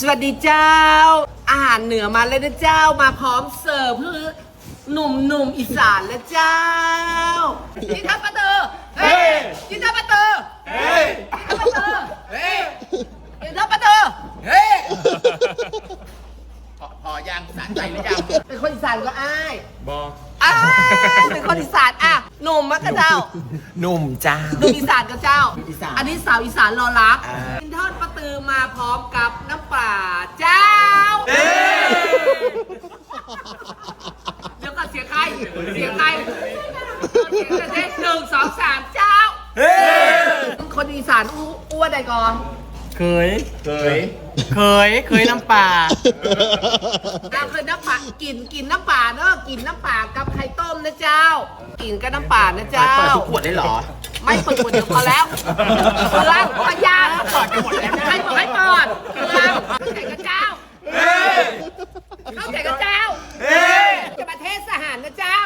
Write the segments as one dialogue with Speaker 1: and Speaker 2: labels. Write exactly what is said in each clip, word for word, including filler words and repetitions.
Speaker 1: สวัสดีเจ้าอาหารเหนือมาเลยนะเจ้ามาพร้อมเสิร์ฟเพื่อหนุ่มหนุ่มอีสานแล้วเจ้าจินทัพปะเตอร์เฮ้ยจินทัพปะเตอร์เฮ้ยจินทัพปะเตอร์เฮ้ยจินทัพปะเตอร์เฮ้ย
Speaker 2: พอพอยังสะใจหรือยัง
Speaker 1: เป็นคนอีสานก็อ้าย
Speaker 3: บอก
Speaker 1: อ้ายเป็นคนอีสานอ่ะหนุ่มมะกะเจ้า
Speaker 2: หนุ่มจ้า
Speaker 1: หนุ่มอีสานกับเจ้า
Speaker 2: อีสาน
Speaker 1: อันนี้สาวอีสานรอรัก
Speaker 2: อ่า
Speaker 1: กินทอดปลาตือมาพร้อมกับน้ำปลาเจ้าเดี๋ยวก่อนเสียงใครเสียงใครเสียงเด็กหนึ่งสองสามเจ้าคนอีสานอู้อ้วนใดก่อน
Speaker 3: เคย
Speaker 2: เคย
Speaker 3: เคย เคยน้ำปลา
Speaker 1: เราเคยน้ำปลากินกินน้ำปลาเนอะกินน้ำปลากับไข่ต้มนะเจ้า กินกับน้ำปลานะเจ้า
Speaker 2: เปิดทุกขวดได้เหรอ
Speaker 1: ไม่เปิดขวดเดียวพอแล้วเปลืองพยานเปิดกันหมดแล้วให้เปิดให้เปิดเปลืองเข้าใจกับเจ้าเข้าใจกับเจ้าจะประเทศสหารนะเจ้า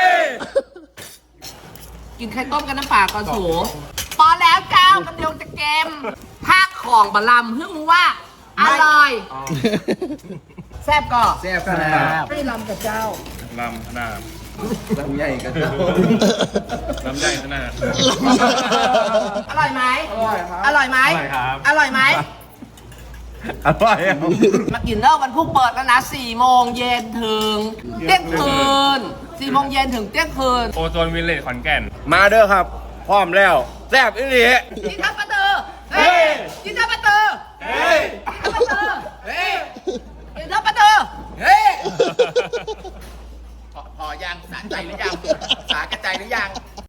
Speaker 1: กินไข่ต้มกับน้ำปลาก่อนสูพอแล้วเจ้ากันเดียวจะเกมภาคของบะลำเพิ่งรู้ว่าอร่อยแซ่บก่อ
Speaker 2: แซ่บขนาด
Speaker 1: ให้ลำกับเจ้า
Speaker 3: ลำขนาด
Speaker 2: ลำใหญ่กัน
Speaker 3: ลำใหญ่ขนาด
Speaker 1: อร่อยไหม
Speaker 2: อร่อยครับ
Speaker 1: อร่อยไหม
Speaker 3: อร่อยครับ
Speaker 1: อร่อยไหม
Speaker 2: อร่อย
Speaker 1: มากินเลิกวันพุ่งเปิดแล้วนะสี่โมงเย็นถึงเที่ยงคืนสี่โมงเย็นถึงเที่ยงคืน
Speaker 3: โอโซนวิลเลจขอนแก่น
Speaker 4: มาเด้อครับ พร้อมแล้วแซ่บอีหลี
Speaker 1: กินทับปะเตอร์เฮ้ยกินทับปะเตอร์เฮ้ยทับปะเตอร์เฮ้ยกินทับปะเตอร์เฮ้ย
Speaker 2: พอพอยังสะใจหรือยังสากระใจหรือยัง